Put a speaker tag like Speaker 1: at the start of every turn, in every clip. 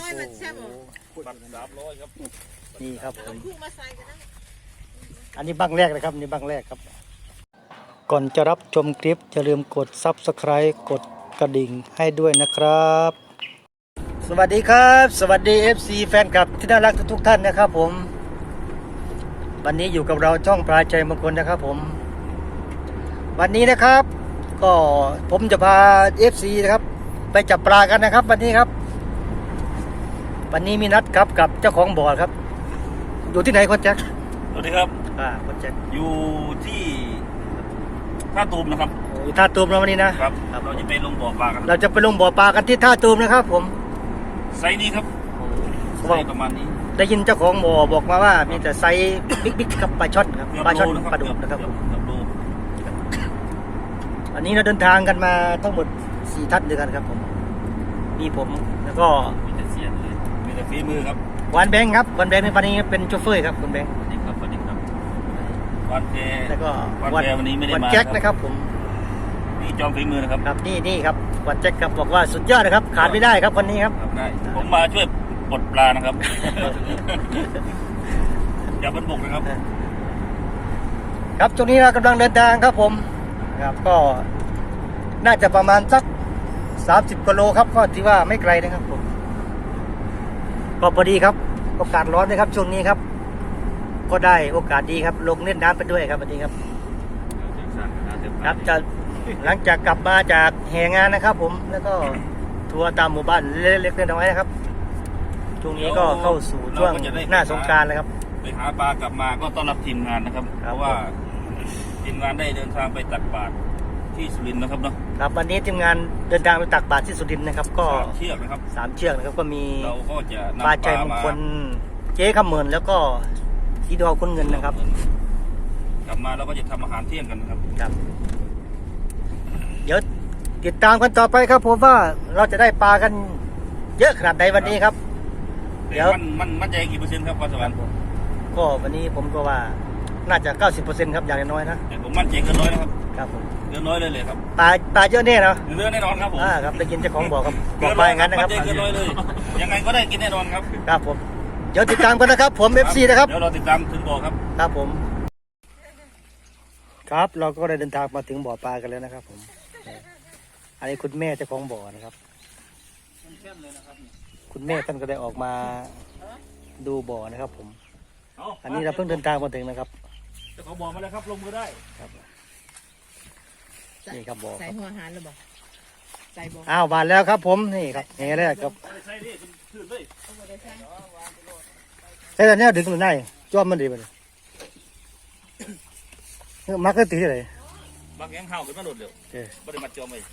Speaker 1: โอ้โห
Speaker 2: บัตร300ครับ
Speaker 1: นี่ครับผม
Speaker 3: คู่มาใส่กันนะ
Speaker 1: อันนี้บังแรกนะครับนี่บังแรกครับ ก่อนจะรับชมคลิปอย่าลืมกด Subscribe กดกระดิ่งให้ด้วยนะครับ สวัสดีครับ สวัสดี FC แฟนคลับที่น่ารักทุกๆท่านนะครับผมวันนี้อยู่กับเราช่องปลายใจมงคลนะครับผมวันนี้นะครับก็ผมจะพา FC นะครับไปจับปลากันนะครับวันนี้ครับวันนี้มีนัดครับกับเจ้าของบ่อครับอยู่ที่ไหนคนแจ็ค
Speaker 2: สวัสดีครับ
Speaker 1: คนแจ็ค
Speaker 2: อยู่ที่ท่าตูมนะครับ
Speaker 1: อยู่ท่าตูมเราวันนี้นะครับ
Speaker 2: เราจะไปลงบ่อปลากัน
Speaker 1: เราจะไปลงบ่อปลากันที่ท่าตูมนะครับผม
Speaker 2: ไซส์นี้ครับไซส์ประมาณนี้
Speaker 1: ได้ยินเจ้าของบ่อบอกมาว่ามีแต่ไซส์บิ๊กๆกับปลาช่อนครับปลาช่อนปลาดุกนะครับผม
Speaker 2: เกือบโล
Speaker 1: อันนี้เราเดินทางกันมาทั้งหมด4ท่านด้วยกันครับผมมีผมแล้วก็
Speaker 2: มีแต่เสียนเลยมีแต่ฝีมือครับ
Speaker 1: วันแบงค์ครับวันแบงค์ในวันนี้เป็นโชเฟอร์ครับคุณแบงค์
Speaker 2: สวัสดีครับสวัสดีครับวันเพ
Speaker 1: แล้วก็
Speaker 2: วันเพวันนี้ไม่ได้
Speaker 1: วัน
Speaker 2: มา
Speaker 1: แจ็คนะครับผม
Speaker 2: นี่จอมฝีมือนะครับ
Speaker 1: ครับนี่ครับวันแจ็คครับบอกว่าสุดยอดนะครับขาดไม่ได้ครับวันนี้ครับ
Speaker 2: ครับได้ผมมาช่วยปลดปลานะครับ อย่าบรรบุกนะครับ
Speaker 1: ครับช่วงนี้เรากำลังเดินทางครับผมครับก็น่าจะประมาณสัก30กิโลครับก็ถือว่าไม่ไกลนะครับผมก็พอดีครับโอกาสร้อนนะครับช่วงนี้ครับ ก็ได้โอกาสดีครับลงเล่นน้ำไปด้วยครับวันนี้ครับครับจะหลังจากกลับมาจากแห่งานนะครับ ผมแล้วก็ทัวร์ตามหมู่บ้านเล็กๆน้อยๆนะครับช่วงนี้ก็เข้าสู่ช่วงหน้าสงกรานต์แล้วครับ
Speaker 2: ไปหาปลากลับมาก็ต้อนรับทีมงานนะครับ
Speaker 1: ค
Speaker 2: เพ
Speaker 1: รับ
Speaker 2: ราะว่าทีมงานได้เดินทางไปตักบาตรที่สุรินทร์นะครับเนาะ
Speaker 1: ครับวันนี้ทีมงานเดินทางไปตักบาตรที่สุรินทร์นะครับ ก็
Speaker 2: 3 เชือกนะครับ
Speaker 1: 3 เชือกนะครับก็มี
Speaker 2: เราก็จะนำ
Speaker 1: ปลาใจมงคลเจ๊ขมเมินแล้วก็สีดอคนเงินนะครับ
Speaker 2: กลับมาเราก็จะทำอาหารเที่ยงกันนะครับ
Speaker 1: ครับเดี๋ยวติดตามกันต่อไปครับผมว่าเราจะได้ปลากันเยอะขนาดใดวันนี้ครับ เดี๋ยว
Speaker 2: มันมั่นใจกี่เปอร์เซ็นต์ครับพรสวรรค์
Speaker 1: ก็วันนี้ผมก็ว่าน่าจะ 90% ครับอย่างน้อยๆนะ
Speaker 2: แต่ผมมั่นใจเกินร้อยนะครับ
Speaker 1: ครับผม
Speaker 2: เกินร้อยเลยครับ
Speaker 1: ปลาเยอะแน่เนาะ
Speaker 2: เรือแน่นอนครับผม
Speaker 1: ครับได้ยินเจ้าของบอกครับบอกไปอย่างนั้นนะครับ
Speaker 2: มั่นใจเกินร้อยเลยยังไงก็ได้กินแน่นอนครับ
Speaker 1: ครับผมเดี๋ยวติดตามกันนะครับผม FC นะครับ
Speaker 2: เดี๋ยวเราติดตามถึงบ่อครับ
Speaker 1: ครับผมครับเราก็ได้เดินทางมาถึงบ่อปลากันแล้วนะครับผมอันนี้คุณแม่เจ้าของบ่อนะครับคุณแม่ท่านก็ได้ออกมาดูบ่อนะครับผมอันนี้เราเพิ่งเดินทางมาถึงนะครับ
Speaker 2: เจ้าของบ่อมาแล้วครับลงมือได้
Speaker 1: ครับนี่ครับบ่อ
Speaker 3: ใส่หัวอาหารหรือเปล่าใส่บ่
Speaker 1: อ้าวมาแล้วครับผมนี่ครับแห่แรกครับ
Speaker 2: ใช่ดิขึ้นเลย
Speaker 1: ใช่แต่เนี้ยดึงมันได้จ้อมมันดีไปเลยมักก็ตีเลย
Speaker 2: บางแง่งเห่าขึ้นมาหลุดเร็ว
Speaker 1: เอ้ย
Speaker 2: บริมาจอมเลย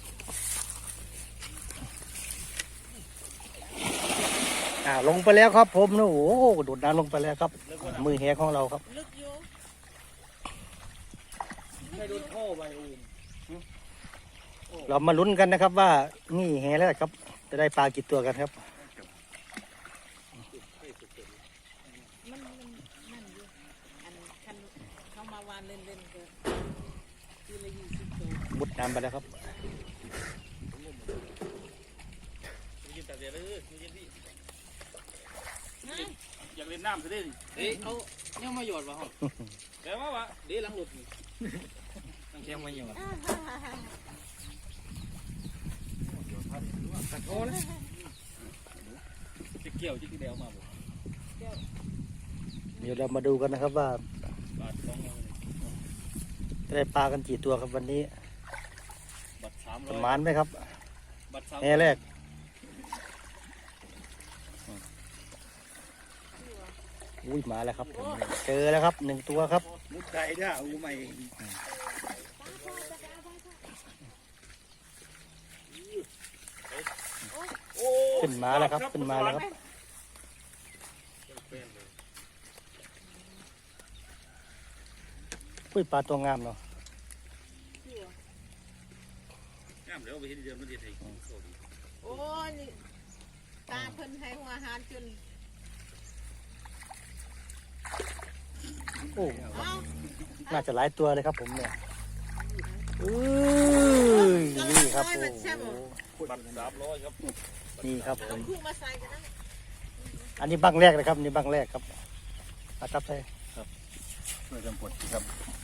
Speaker 1: ลงไปแล้วครับผมนะโอ้โหโดดน้ำลงไปแล้วครับ มือแหของเราครับ
Speaker 3: ลึกอยู่
Speaker 2: ไม่โดนท่อไปโอ้
Speaker 1: เรามาลุ้นกันนะครับว่านี่แหแล้วครับ จะได้ปลากี่ตัวกันครับ
Speaker 3: มันนั่นอยู่อันคันเข้ามาวานเล่นๆก็ทีละ20 ตัว
Speaker 1: มุดน้ำไปแล้วครับ
Speaker 2: ยินแต่เดี๋ยวเลยยินที่อยากเล่นน้ำซะดิเฮ้ยเขาเนี่ยมาหยอดวะฮะแต่ว่าวะเดี๋ยวหลังหลุดตั้งแค่มาหยอดตัดโอ้เลยจะเกี่ยวจะกี่เดียวมาบ่
Speaker 1: เดี๋ยวเรามาดูกันนะครับว่า
Speaker 2: บาท200
Speaker 1: จะได้ปลากันกี่ตัวครับวันนี้
Speaker 2: บัตร
Speaker 1: ประ
Speaker 2: 300
Speaker 1: มาณไหมครับ
Speaker 2: บัตร
Speaker 1: แหแรกอุ้ยมาแล้วครับผมเจอแล้วครับ1 ตัวครับ
Speaker 2: มุดไก่ด้าอู้ใหม่
Speaker 1: ขึ้นมาแล้วครับขึ้นมาแล้วครับอุ้ยปลาตัวงามเนาะ
Speaker 2: งามเดี๋ยวไปเห็นเดือนมันเดือดให้
Speaker 3: โอ้นี่ตาเพิ่นให้หัวอาหารจน
Speaker 1: โอ้
Speaker 3: เอ้า
Speaker 1: น่าจะหลายตัวเลยครับผมเนี่ยนี่ครับโอ้โห
Speaker 2: บัตร300ครับ
Speaker 1: นี่ครับผม
Speaker 3: คู่มาใส่กันนะ
Speaker 1: อันนี้บังแรกนะครับนี่บังแรกครับอาตับใส่
Speaker 2: ช่วยกันกดครับ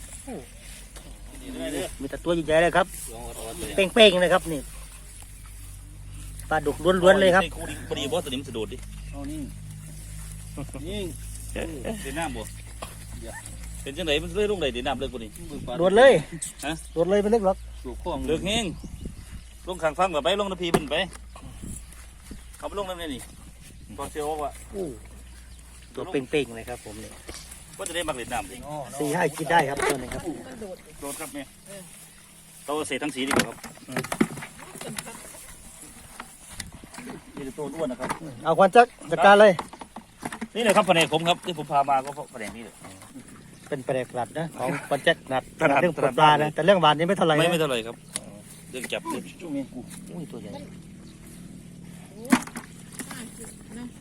Speaker 1: มีแต่ตัวใหญ่ๆเลยครับ
Speaker 2: ลองเอาตัว
Speaker 1: เป้งๆเลยครับนี่ปลาดุกล้วนๆเลยครับ
Speaker 2: คู่นี้พอดีบอสตัวนี้มันสะดุดดิเอานี่นี่เป็นน้ำบ่เป็นจังไหนมันเลื่อยลงไหนเดี๋ยวน้ำเลื่อยกว่านี้
Speaker 1: โดดเลย
Speaker 2: ฮะ
Speaker 1: โดดเลยไม่เล็กหรอก
Speaker 2: สูบข้องเลือกแห้งลงข้างฟังกับไปลงน้ำพีมันไปเขาไปลงน้ำนี่ตอนเชียวว่า
Speaker 1: ตัวเป้งๆเลยครับผมนี่
Speaker 2: ก็จะได้มาเล่นน้ำสิ
Speaker 1: 4-5กินได้ครับตัวนี้ครับ
Speaker 3: มันโดด
Speaker 2: โดนครับเนี่ยเราเสียทั้งสีดีกว่าครับนี่ตัวอ้วนนะครับ
Speaker 1: เอาควันจักจัดการเลย
Speaker 2: นี่เลยครับแผนกผมครับที่ผมพามาก็เพราะแผนกนี้เลย
Speaker 1: เป็นแปลกหลัดนะของควันจักหนัด
Speaker 2: ถนัด
Speaker 1: เรื่องปลานะแต่เรื่องหวานนี่ไม่เท่าไหร่
Speaker 2: ไม่
Speaker 1: นะ
Speaker 2: เท่าไหร่ครับเรื่องจับเรื่องจุ้งเมียกู
Speaker 1: อุ้ยตัวใหญ่
Speaker 3: โอ้น่ากินเนาะ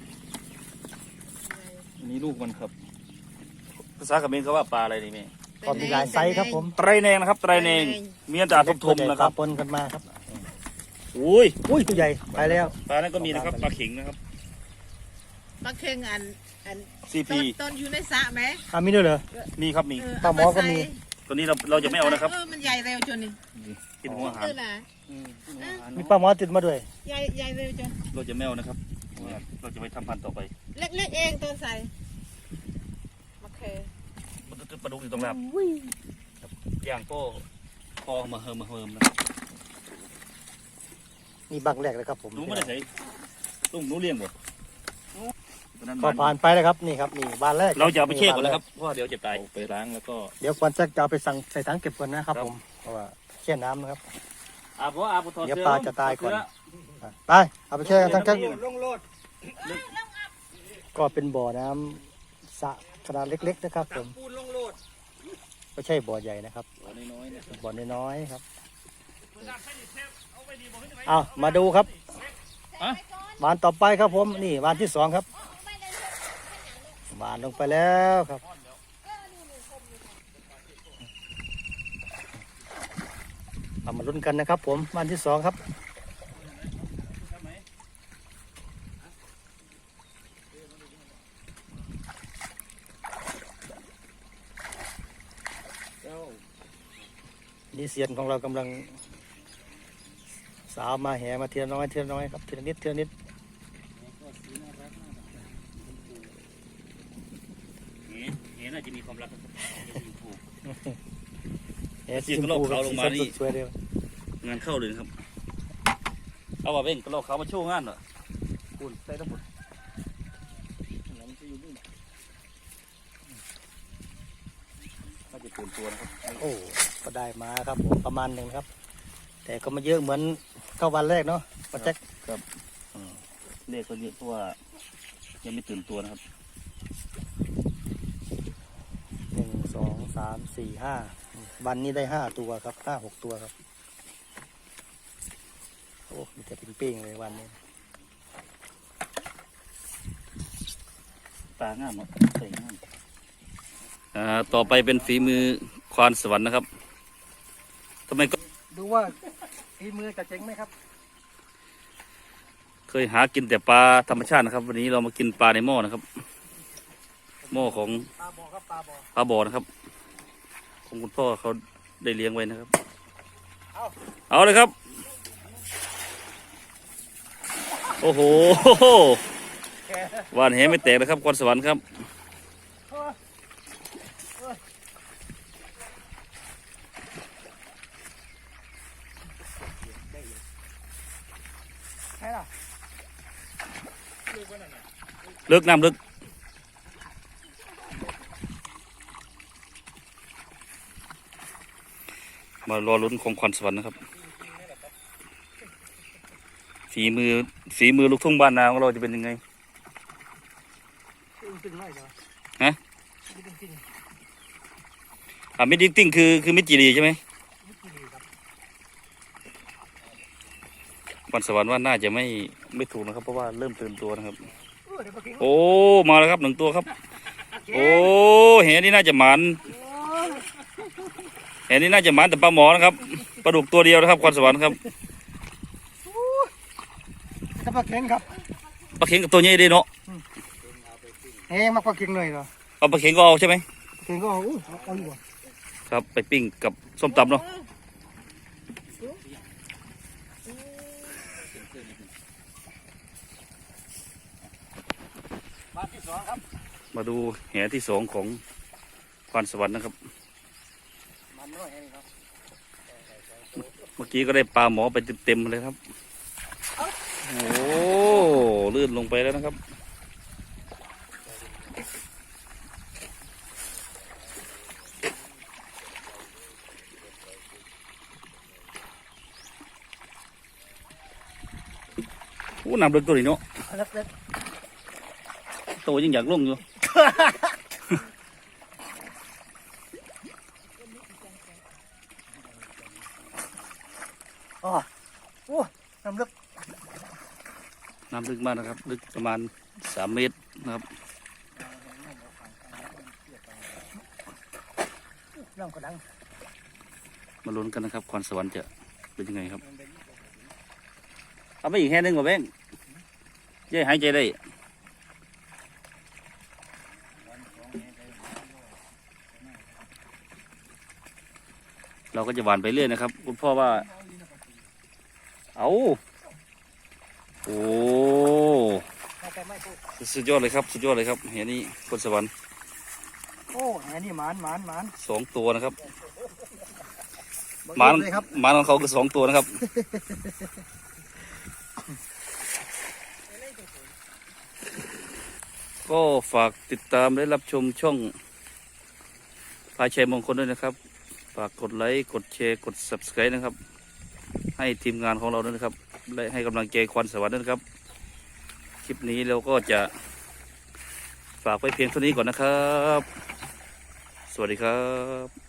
Speaker 2: อันนี้ลูกมันครับภาษาเขมรเขาว่าปลาอะไรนี่แม่
Speaker 1: ก็มีหลายไซส์ครับผม
Speaker 2: ไตรแนงนะครับไตรแนงมีอันตราทมๆนะครับ
Speaker 1: ปนกันมาครับ
Speaker 2: อุ้ย
Speaker 1: อุ้ยตัวใหญ่ไปแล้ว
Speaker 2: ปลานั้นก็มีนะครับปลาเข็งนะครับ
Speaker 3: ปลาเค็งอัน
Speaker 2: CP
Speaker 3: ต้นอยู่ในสระไหม
Speaker 1: มีด้วยเหรอ
Speaker 2: มีครับมี
Speaker 1: ปลาหมอก็มี
Speaker 2: ตัวนี้เราจะไม่เอานะครับ
Speaker 3: มันใหญ่เร็วจนนี่
Speaker 2: กินหัวอาหาร
Speaker 3: คือล่ะ
Speaker 1: มีปลาหมอติดมาด้วย
Speaker 3: ใหญ่เร็วจน
Speaker 2: เราจะไม่เอานะครับเราจะไปทำพันธุ์ต่อไป
Speaker 3: เล็กๆเองตัวใส่โอเค
Speaker 2: มันจะปลาดุกอยู่ตรงนั้นย่างก็พอมาเฮิมนะครับ
Speaker 1: นี่บังแรกเลยครับผม
Speaker 2: หนูไม่ได้ใส่ลุงหนูเลี้ยงบ่
Speaker 1: ก็ผ่านไปแล้วครับนี่ครับนี่บานแรก
Speaker 2: เราจะเอาไปเช็คก่อนนะครับเพราะเดี๋ยวจะตายไปล้างแล้วก็
Speaker 1: เดี๋ยวควันจักจะเอาไปสั่งใส่ถังเก็บก่อนนะครับ
Speaker 2: ครับ
Speaker 1: ผมเพราะว่าแช่น้ำนะครับ
Speaker 2: อาบอาบถอด
Speaker 1: เดี๋ยว
Speaker 2: เสื้อ
Speaker 1: ปลาจะตายก่อน ไปเอาไปแช่กันทั้งก็เป็นบ่อน้ำสระขนาดเล็ก ๆ นะครับ ผมไม่ใช่บ่อใหญ่นะครับ
Speaker 2: น้อยๆนะ
Speaker 1: บ่อน้อยๆครับเอามาดูครับหวานต่อไปครับผมนี่หวานที่2ครับหวานลงไปแล้วครับเอามาลุ้นกันนะครับ ผมหวานที่2ครับนี่เสียนของเรากำลังสาวมาแห่มาเทียน้อยครับทีละนิด
Speaker 2: เห็นน่าจะมีความรัก
Speaker 1: แห่
Speaker 2: เสียงกระรอกขาวลงมานี่
Speaker 1: สวยๆเลย
Speaker 2: งานเข้าเลยนะครับเอาว่าเบ่งก็เราเขามาโชว์งานเหรอคุณใส่ทั้งหมดน่าจะตื่นตัวนะครับ
Speaker 1: โอ้ก็ได้มาครับผมประมาณหนึ่งครับ แต่ก็ไม่เยอะเหมือนเข้าวันแรกเนาะป้าแจ็ค
Speaker 2: ครับเลขก็เยอะเพราะว่ายังไม่ตื่นตัวนะครับ
Speaker 1: 1 2 3 4 5วันนี้ได้5ตัวครับ5-6ตัวครับโอ้มีแต่เป็นเป้งเลยวันนี้
Speaker 2: ตางามเนาะใส่งามต่อไปเป็นฝีมือควานสวรรค์นะครับทำไมก็
Speaker 1: ดูว่าฝีมือจะเจ๋งไหมครับ
Speaker 2: เคยหากินแต่ปลาธรรมชาตินะครับ วันนี้เรามากินปลาในหม้อนะครับหม้อของ
Speaker 1: ปลาบ่อครับปลาบ่อ
Speaker 2: ปลาบ่อนะครับของคุณพ่อเขาได้เลี้ยงไว้นะครับเอาเลยครับ โอ้โหหวานแหไม่แตกนะครับควานสวรรค์ครับ
Speaker 1: ใช่ล่ะ
Speaker 2: ลึกน้ำลึกมารอลุ้นของขวัญสวรรค์นะครับฝีมือลูกทุ่งบ้านนาของเราจะเป็นยังไง
Speaker 1: ตึงๆหน่อยเหรอ
Speaker 2: ฮะ
Speaker 1: ตึง
Speaker 2: มิดดิ้งติ้งคือมิดจีรีใช่ไหมขวัญสวรรค์ว่าน่าจะไม่ถูกนะครับ เพราะว่าเริ่มตื่นตัวนะครับ
Speaker 1: เดี๋ยวปลาเค็ง
Speaker 2: โอ้มาแล้วครับ1 ตัวครับ โอ้แหนี่น่าจะหมันแหนี่น่าจะหมันแต่ปลาหมอนะครับปลาดุกตัวเดียวนะครับขวัญสวรรค์ครับ
Speaker 1: ถ้าปลาเค็งครับ
Speaker 2: ปลาเข็งกับตัวใหญ่ดีเนาะ
Speaker 1: เฮ้ยมักปลาเค็งเลยเหรอ
Speaker 2: เอาปลาเข็งก็เอาใช่ไหม
Speaker 1: เค็งก็เอาอู้เอาอยู่บ่
Speaker 2: ครับไปปิ้งกับส้มตำเนาะมาดูแหที่สองของพรสวรรค์นะครับ เมื่อกี้ก็ได้ปลาหมอไปเต็มๆเลยครับ โอ้ลื่นลงไปแล้วนะครับโอ้น้ำลึกตัวนี้เนาะ
Speaker 1: เล็ก
Speaker 2: โตยังอยากลงอยู่
Speaker 1: ๆอ๋อโอ้น้ำลึก
Speaker 2: น้ำลึกมากนะครับ ลึกประมาณ3 เมตรนะครับ
Speaker 1: น้ำกระดัง
Speaker 2: มาลุ้นกันนะครับพรสวรรค์จะเป็นยังไงครับ เอาไปอีกแค่นึงก่อนแบงค์เย้หายใจได้ เราก็จะหวานไปเรื่อยนะครับคุณพ่อว่า เอาโอ้
Speaker 1: ไม่พูด
Speaker 2: สุดยอดเลยครับ สุดยอดเลยครับเห็นนี่พรสวรรค์
Speaker 1: โอ้แหนี่หมาน
Speaker 2: 2 ตัวนะครับ
Speaker 1: บอก
Speaker 2: หมาน
Speaker 1: เลยครับ
Speaker 2: หมานของเขาคือ2 ตัวนะครับ ก็ฝากติดตามและรับชมช่องพายชัยมงคลด้วยนะครับ ฝากกดไลค์กดแชร์กด Subscribe นะครับ ให้ทีมงานของเราด้วยนะครับและให้กำลังใจควันสวรรค์ด้วยนะครับ คลิปนี้เราก็จะฝากไว้เพียงเท่านี้ก่อนนะครับ สวัสดีครับ